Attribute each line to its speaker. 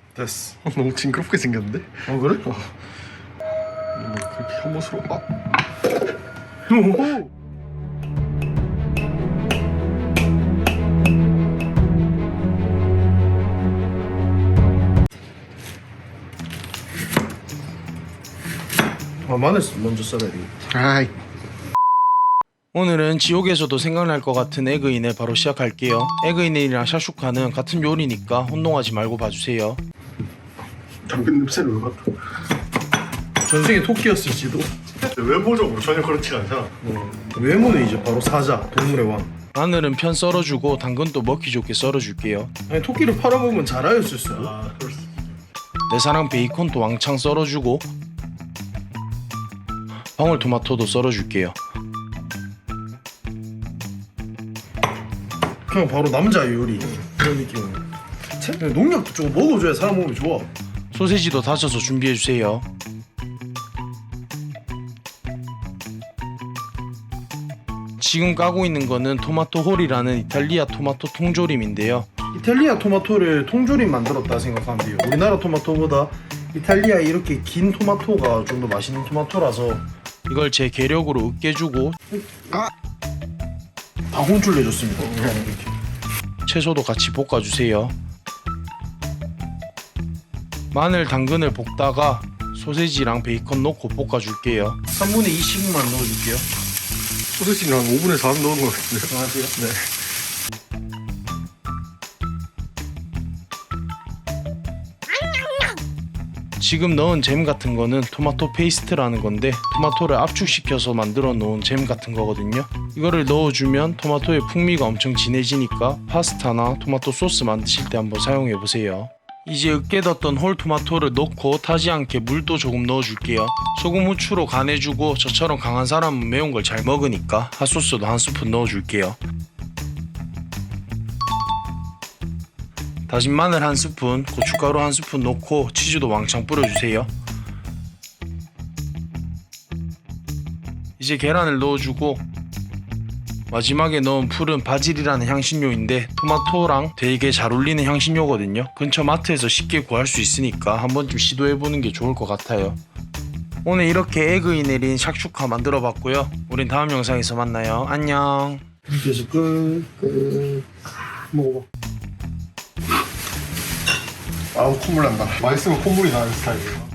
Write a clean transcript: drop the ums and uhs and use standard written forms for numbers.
Speaker 1: 됐어. 너무 징그럽게 생겼는데? 그래? 뭐 그렇게 혐오스러워. 오호. 마늘 먼저 썰어야 돼. 아이.
Speaker 2: 오늘은 지옥에서도 생각날 것 같은 에그인을 바로 시작할게요. 에그인이랑 샤슈카는 같은 요리니까 혼동하지 말고 봐주세요.
Speaker 1: 당근 냄새를 왜 맡아? 전생에 토끼였을지도. 외모적으로 전혀 그렇지 않잖아. 외모는 이제 바로 사자, 동물의 왕.
Speaker 2: 마늘은 편 썰어주고 당근도 먹기 좋게 썰어줄게요.
Speaker 1: 아니 토끼를 팔아보면 자라였을 수도.
Speaker 2: 내 사랑 베이컨도 왕창 썰어주고 방울토마토도 썰어줄게요.
Speaker 1: 그냥 바로 남자 요리 그런 느낌이에요. 농약도 조금 먹어줘야 사람 몸이 좋아.
Speaker 2: 소세지도 다져서 준비해주세요. 지금 까고 있는 거는 토마토 홀이라는 이탈리아 토마토 통조림인데요.
Speaker 1: 이탈리아 토마토를 통조림 만들었다 생각하면 돼요. 우리나라 토마토보다 이탈리아에 이렇게 긴 토마토가 좀 더 맛있는 토마토라서
Speaker 2: 이걸 제 계력으로 으깨주고
Speaker 1: 다 혼쭐 내줬습니다.
Speaker 2: 채소도 같이 볶아주세요. 마늘, 당근을 볶다가 소세지랑 베이컨 넣고 볶아줄게요.
Speaker 1: 3분의 2씩만 넣어줄게요. 소세지는 한 5분의 4 넣은 것 같은데. 안녕하세요. 네.
Speaker 2: 지금 넣은 잼 같은 거는 토마토 페이스트라는 건데 토마토를 압축시켜서 만들어 놓은 잼 같은 거거든요. 이거를 넣어주면 토마토의 풍미가 엄청 진해지니까 파스타나 토마토 소스 만드실 때 한번 사용해 보세요. 이제 으깨뒀던 홀 토마토를 넣고 타지 않게 물도 조금 넣어줄게요. 소금, 후추로 간해주고 저처럼 강한 사람은 매운 걸 잘 먹으니까 핫소스도 한 스푼 넣어줄게요. 다진 마늘 한 스푼, 고춧가루 한 스푼 넣고 치즈도 왕창 뿌려주세요. 이제 계란을 넣어주고 마지막에 넣은 풀은 바질이라는 향신료인데 토마토랑 되게 잘 어울리는 향신료거든요. 근처 마트에서 쉽게 구할 수 있으니까 한 번쯤 시도해보는 게 좋을 것 같아요. 오늘 이렇게 에그인 내린 샥슈카 만들어봤고요. 우린 다음 영상에서 만나요. 안녕.
Speaker 1: 이렇게 해서 끝. 먹어봐. 아우 콧물 난다. 맛있으면 콧물이 나는 스타일이에요.